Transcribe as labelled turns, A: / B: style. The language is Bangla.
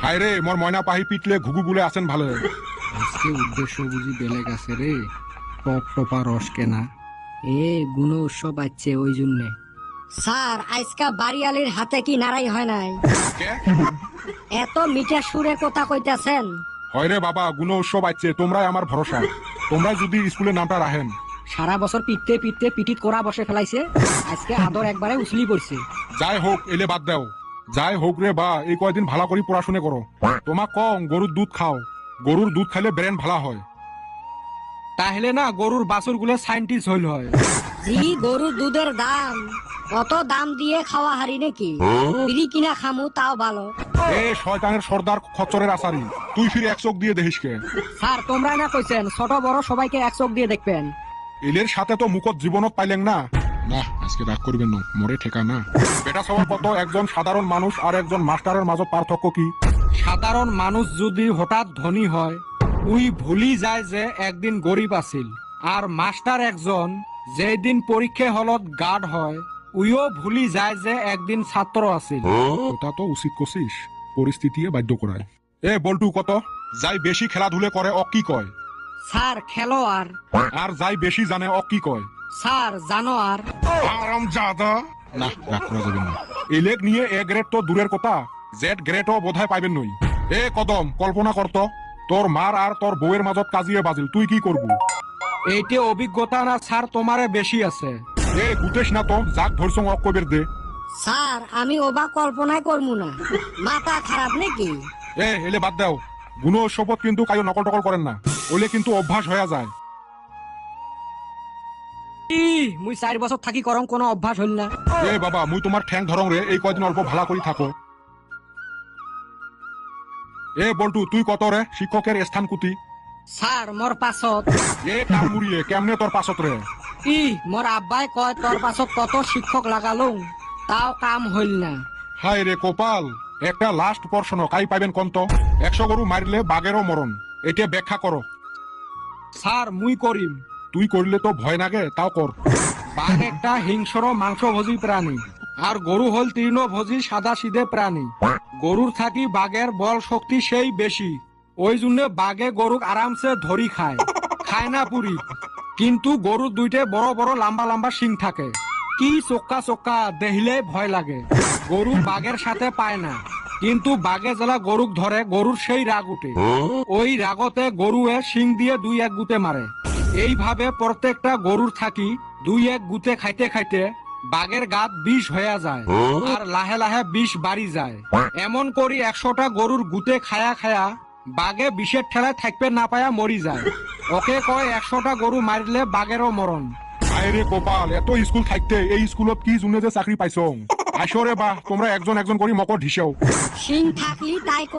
A: হায় রে মোর ময়না পাহি পিটলে ঘুঘু বলে আছেন ভালো।
B: আজকে উদ্দেশ্য বুঝি বেলেগ আছে রে। টপ টপা রস কেনা এ গুণ উৎসব আছে ওই জন্যে।
C: স্যার আজকা বাড়িয়ালির হাতে কি নারাই হয় নাই?
A: কে?
C: এত মিঠা সুরে কথা কইতাছেন।
A: হয় রে বাবা, গুণ উৎসব আছে, তোমরাই আমার ভরসা। তোমরা যদি স্কুলের নামটা রাখেন।
B: সারা বছর পিটতে পিটতে পিটিত করা বসে ফেলাইছে, আজকে আদর একবারে উছলি পড়ছে।
A: যাই হোক এলে বাদ দাও। যাই হোক রে বা, এই কয়দিন ভালো করে পড়াশুনে করো। তোমাক কম গরুর দুধ খাও, গরুর দুধ খাইলে ব্রেন ভালো হয়।
B: তাহলে না গরুর বাছুর গুলো সাইন্টিস্ট হইল হয়।
C: জি গরুর দুধের দাম, অত দাম দিয়ে খাওয়া হারি নাকি? বিড়ি কিনা খামু তাও ভালো।
A: এ শয়তানের সর্দার খচ্চরের আসারি, তুই ফিরে এক চোখ দিয়ে দেখিস কে?
B: স্যার তোমরা না কইছেন ছোট বড় সবাইকে এক চোখ দিয়ে দেখবেন।
A: এলের সাথে তো মুখত জীবনত পাইলেন না। না আজকে রাগ করবেন না, মরে ঠেকা না। বেটা সবার কত একজন সাধারণ মানুষ আর একজন মাস্টারের মাঝে পার্থক্য কি?
B: সাধারণ মানুষ যদি হঠাৎ ধনী হয়, উই ভুলি যায় যে একদিন গরিব আছিল। আর মাস্টার একজন যেদিন পরীক্ষা হলত গার্ড হয়, উইও ভুলি যায় যে একদিন ছাত্র আছিল।
A: ওটা তো উচিত করছিস, পরিস্থিতি বাধ্য করায়। এ বল্টু কত যাই বেশি খেলাধুলে করে অ কি কয়?
B: স্যার খেলোয়াড়।
A: আর যাই বেশি জানে অ কি কয়?
B: স্যার জানোয়ার।
A: আরাম জাদা। না রাগ করা যাবে না। এলেক নিয়ে এ গ্রেড তো দূরের কথা, জেড গ্রেডও বোধহয় পাইবেন নই। এ কদম কল্পনা করত, তোর মার আর তোর বউয়ের মাজত কাজিয়ে বাজিল, তুই কি করবি?
B: এইটে অভিজ্ঞতা না স্যার তোমারে বেশি আছে।
A: এ গুতেশ না তো, যাক ধরছং অক কবের দে।
C: স্যার আমি ওবা কল্পনাই করবো না, মাথা খারাপ নাকি?
A: এ এলে বাদ দাও, গুণ শপথ কিন্তু কায়ো নকল টকল করেন না, ওলে কিন্তু অভ্যাস হয়ে যায়।
B: মুই 4 বছর থাকি করং কোনো অভ্যাস হইল না।
A: এ বাবা মুই তোমার ঠ্যাং ধরং রে, এই কয়দিন অল্প ভালা করি থাকো। এ বল্টু তুই কত রে শিক্ষকের স্থান কুতি?
B: স্যার মোর পাছত।
A: এ কাম মুড়িয়ে কেমনে তোর পাছত রে?
B: মোর আব্বাই কয় তোর পাছত কত শিক্ষক লাগালুম, তাও কাম হইল না।
A: হায় রে কপাল, একটা লাস্ট প্রশ্ন কাই পাইবেন কন্ত? 100 গরু মারিলে বাঘেরও মরণ, এটা ব্যাখ্যা করো।
B: স্যার মুই করিম।
A: তুই করলে তো ভয় লাগে, তাও কর।
B: বাঘ একটা হিংস্র মাংসভোজী প্রাণী, আর গরু হল তৃণভোজী সাদা সিধে প্রাণী। গরুর থাকি বাঘের বল শক্তি সেই বেশি, ওই জন্য বাঘে গরুক আরামসে ধরি খায়, খায় না পুরি। কিন্তু গরুর দুইটে বড় বড় লম্বা লম্বা শিং থাকে, কি চোক্কা চোক্কা, দেখিলে ভয় লাগে। গরু বাঘের সাথে পায় না, কিন্তু বাঘে জেলা গরুক ধরে গরুর সেই রাগ উঠে, ওই রাগতে গরুয়ে শিং দিয়ে 2-1 গুতে মারে। এইভাবে প্রত্যেকটা গরুর থাকি 2-1 গুতে খাইতে খাইতে বাঘের গাত বিষ হয়ে যায়, আর লাহে লাহে বিষ বাড়ি যায়। এমন করি 100টা গরুর গুতে খায়া খায়া বাঘে বিষের ঠেলায় থাকবে না পায়া মরি যায়। ওকে কয় 100টা গরু মারিলে বাঘেরও মরণ।
A: হায় রে কপাল, এত স্কুল থাকতে এই স্কুলত কি জুনে যে চাকরি পাইছ? আসরে বা তোমরা একজন একজন করে মকর ঢিসেও।
C: সিং থাকলি তাই